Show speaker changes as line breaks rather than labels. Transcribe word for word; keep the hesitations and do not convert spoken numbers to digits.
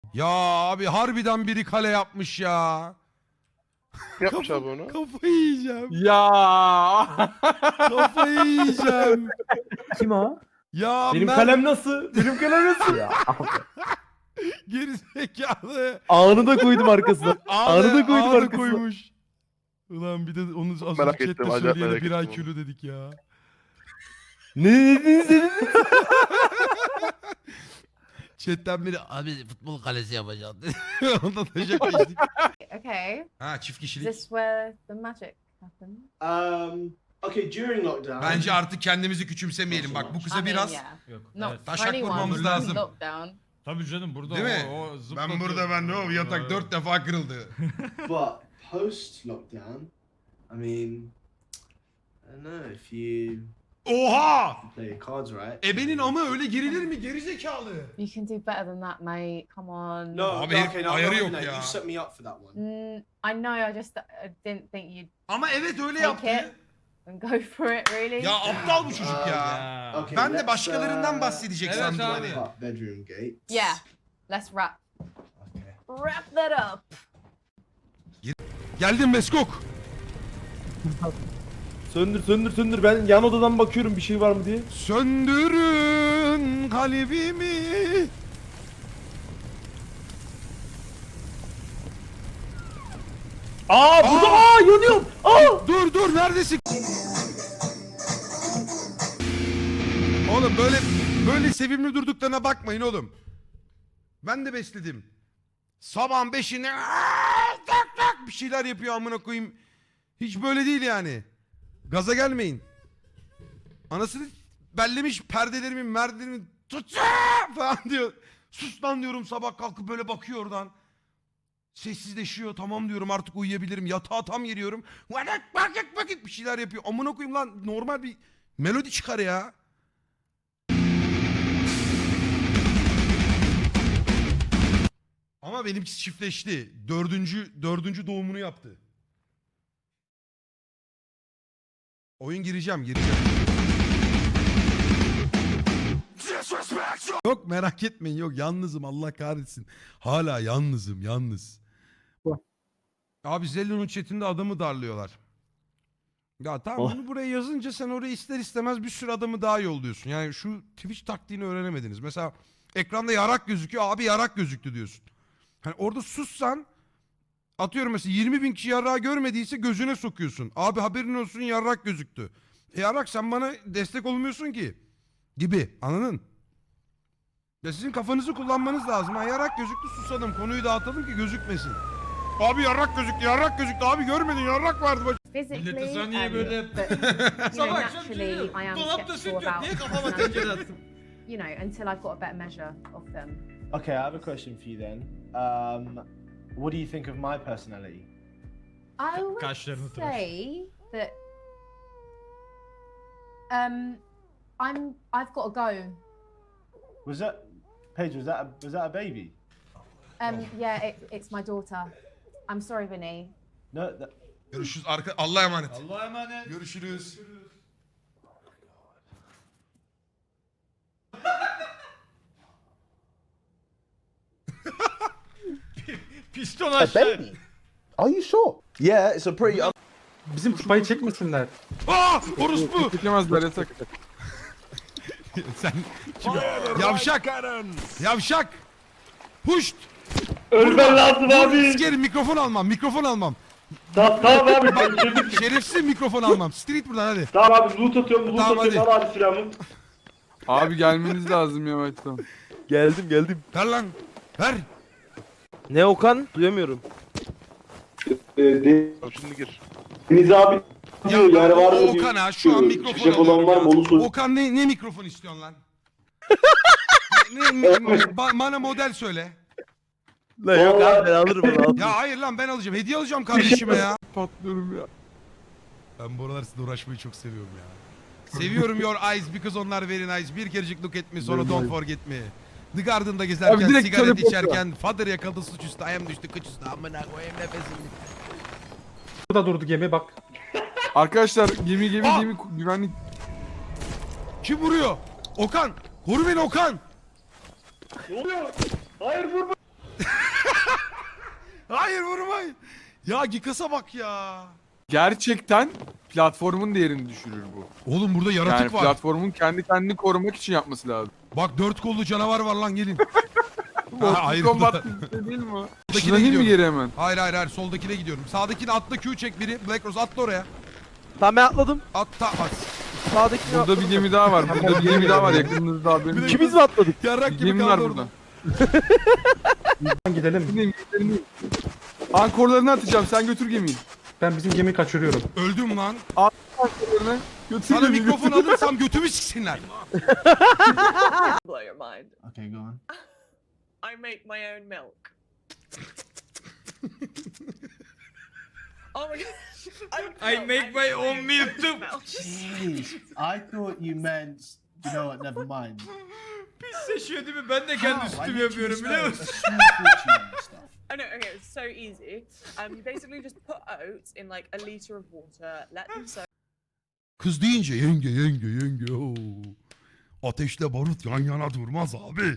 Ya abi harbiden biri kale yapmış ya.
Yapmış abi onu.
Kafayı yiyeceğim.
Ya.
Kafayı yiyeceğim.
Kim o?
Ya
Benim
Mert
kalem nasıl? Benim kalem nasıl?
Ya.
gerizekalı.
Ağını da koydum arkasına.
Ağda,
Ağını da koydum
ağda
arkasına.
koymuş. Ulan bir de onu az önce
Merak ettim,
chatte
acayip
söyleyene
merak
bir ay
ettim
kilo dedik ya.
Ne dediniz dediniz?
Chatten biri abi futbol kalesi yapacağım dedi. Ondan da şakalaştık.
Okay.
Ha çift
Is
kişilik.
this where the magic happens?
Um, okay, during lockdown.
Bence artık kendimizi küçümsemeyelim. Bak bu
I
kıza
mean,
biraz
yeah.
Yok.
Not
evet.
Taşak
for anyone
vurmamız
in
lazım.
lockdown.
Tabii canım burada
Değil mi?
o, o
Ben
zıplatıyor.
burada ben ne o yatak dört defa kırıldı.
But post lockdown, I mean, I don't know if you
Oha!
play your cards right.
Ebenin ama öyle girilir mi? Gerizekalı.
You can do better than that, mate. Come on.
No,
Abi
no,
herif
okay, no,
ayarı
no,
yok
no,
ya.
You set me up for that one.
Mm, I know. I just I didn't think you'd
Ama evet öyle
take
yaptı.
it and go for it. Really.
Ya aptal bu çocuk ya.
Ya.
Okay,
Ben de
let's,
başkalarından
uh,
bahsedecek
Evet
sandım
abi.
hani.
Up bedroom gate.
Yeah. Let's wrap
Okay.
wrap that up.
Geldim Meskok.
Söndür söndür söndür. Ben yan odadan bakıyorum bir şey var mı diye.
Söndürün kalbimi.
Aa burada aa yanıyorum. Aa.
Dur dur neredesin? Oğlum böyle böyle sevimli durduklarına bakmayın oğlum. Ben de besledim. Sabahın beşinde "Aa, tak tak" bir şeyler yapıyor amına koyayım. Hiç böyle değil yani. Gaza gelmeyin. Anasını bellemiş perdelerimi merdelerimi tut falan diyor. Sus lan diyorum sabah kalkıp böyle bakıyor oradan. Sessizleşiyor tamam diyorum artık uyuyabilirim. Yatağa tam giriyorum. Vakit vakit vakit bir şeyler yapıyor. Amına koyayım lan normal bir melodi çıkar ya. Ama benimkisi çiftleşti. Dördüncü, dördüncü doğumunu yaptı. Oyun gireceğim, gireceğim. Yok merak etmeyin yok yalnızım Allah kahretsin. Hala yalnızım yalnız. Abi Zello'nun chatinde adamı darlıyorlar. Ya tamam
Oh.
bunu buraya yazınca sen oraya ister istemez bir sürü adamı daha yolluyorsun. Yani şu Twitch taktiğini öğrenemediniz. Mesela ekranda yarak gözüküyor abi yarak gözüktü diyorsun. Hani orada sussan atıyorum mesela yirmi bin kişi yarrağı görmediyse gözüne sokuyorsun. Abi haberin olsun yarrak gözüktü. E yarrak sen bana destek olmuyorsun ki. Gibi anladın? Ya sizin kafanızı kullanmanız lazım. Ha yarrak gözüktü susadım konuyu dağıtalım ki gözükmesin. Abi yarrak gözüktü yarrak gözüktü abi görmedin yarrak vardı. Bak.
Physically,
Millete sen niye
um,
böyle-
but, you know,
Sabah akşam
naturally,
geliyor.
I am
Dolapta süt
skeptical
yok.
about
Niye kafama
personality.
tencere attın?
You know, until I've got a better measure of them.
Okay, I have a question for you then. Um, what do you think of my personality?
I would
Kaşlarını tıraş.
say that um, I'm. I've got to go.
Was that Paige? Was that a, was that a baby?
Um, yeah, it, it's my daughter. I'm sorry, Vinny.
No. That,
Görüşürüz arka Allah'a emanet.
Allah'a emanet.
Görüşürüz.
Piston aşağı.
Are you sure?
Yeah, it's a pretty.
Bizim kupayı çekmesinler.
Aa orospu.
Çekemezler yasak.
Sen kim? Yavşak. Yavşak. Puşt.
Ölmen lazım abi.
Sikerim mikrofon almam mikrofon almam.
Tamam tamam abi.
Şerefsiz mikrofon almam. Street buradan hadi.
Tamam abi loot atıyorum loot
Tamam,
atıyorum
hadi.
al abi silahımı.
Abi gelmeniz lazım yavaştan.
Geldim geldim.
Ver lan. Ver.
Ne Okan? Duyamıyorum.
Şimdi gir.
Deniz abi
Ya
yani var mı
o
diyor.
Okan ha şu an mikrofon
Çiçek olan var mı onu sor.
Okan ne, ne mikrofon istiyorsun lan? ne, ne, ba- bana model söyle.
La yok abi ben alırım onu alırım.
Ya hayır lan ben alacağım. Hediye alacağım kardeşime ya.
Patlıyorum ya.
Ben bu aralar sizinle uğraşmayı çok seviyorum ya. Seviyorum your eyes because onlar very nice. Bir kerecik look at me sonra don't forget me. The Garden'da gezerken,
Abi direkt
sigaret
teleport
içerken, father yakaladı suçüstü, ayağım düştü kıçüstü, amına koyayım nefesim.
Burada durdu gemi bak.
Arkadaşlar gemi gemi
Aa!
gemi güvenlik.
Kim vuruyor? Okan! Koru beni Okan!
Ne oluyor? Hayır vurma.
Ya Gikas'a bak ya.
Gerçekten platformun değerini düşürür bu.
Oğlum burada yaratık
Yani
var.
platformun kendi kendini korumak için yapması lazım.
Bak dört kollu canavar var lan gelin.
Mortal
hayır,
Kombat
burada.
dizisi değil mi o?
Soldakine
Şuna değil mi
gidiyorum.
geri hemen?
Hayır hayır hayır soldakine gidiyorum. Sağdakine atla Q çek biri. Black Rose atla oraya.
Tamam ben atladım.
Atla at.
Sağdakini
Burada bir gemi daha var. Burada bir gemi daha var yakınınızda haberiniz yok.
İkimiz mi atladık?
Yarrak
Bir
gibi
gemi var
kaldı
burada.
orada.
Gidelim.
Gideyim, gidelim. Ankorlarını atacağım. Sen götür gemiyi.
Ben bizim gemiyi kaçırıyorum.
Öldüm lan.
Ankorlarını götür
Sana
gemiyi.
mikrofon alırsam götümü siksinler.
Blow your mind.
Okay, go on.
I make my own milk. Oh my god.
I make my own milk too.
Jeez, I thought you meant. You know what? Never mind.
Pis seçiyor değil mi? Ben de kendi
How? I
sütümü
literally
yapıyorum
spent
biliyor
a
musun?
small fortune on this stuff.
Oh no, okay, it's so easy. Um, you basically just put oats in like a liter of water, let them soak.
Kız deyince yenge yenge yenge. Oo. Ateşle barut yan yana durmaz abi.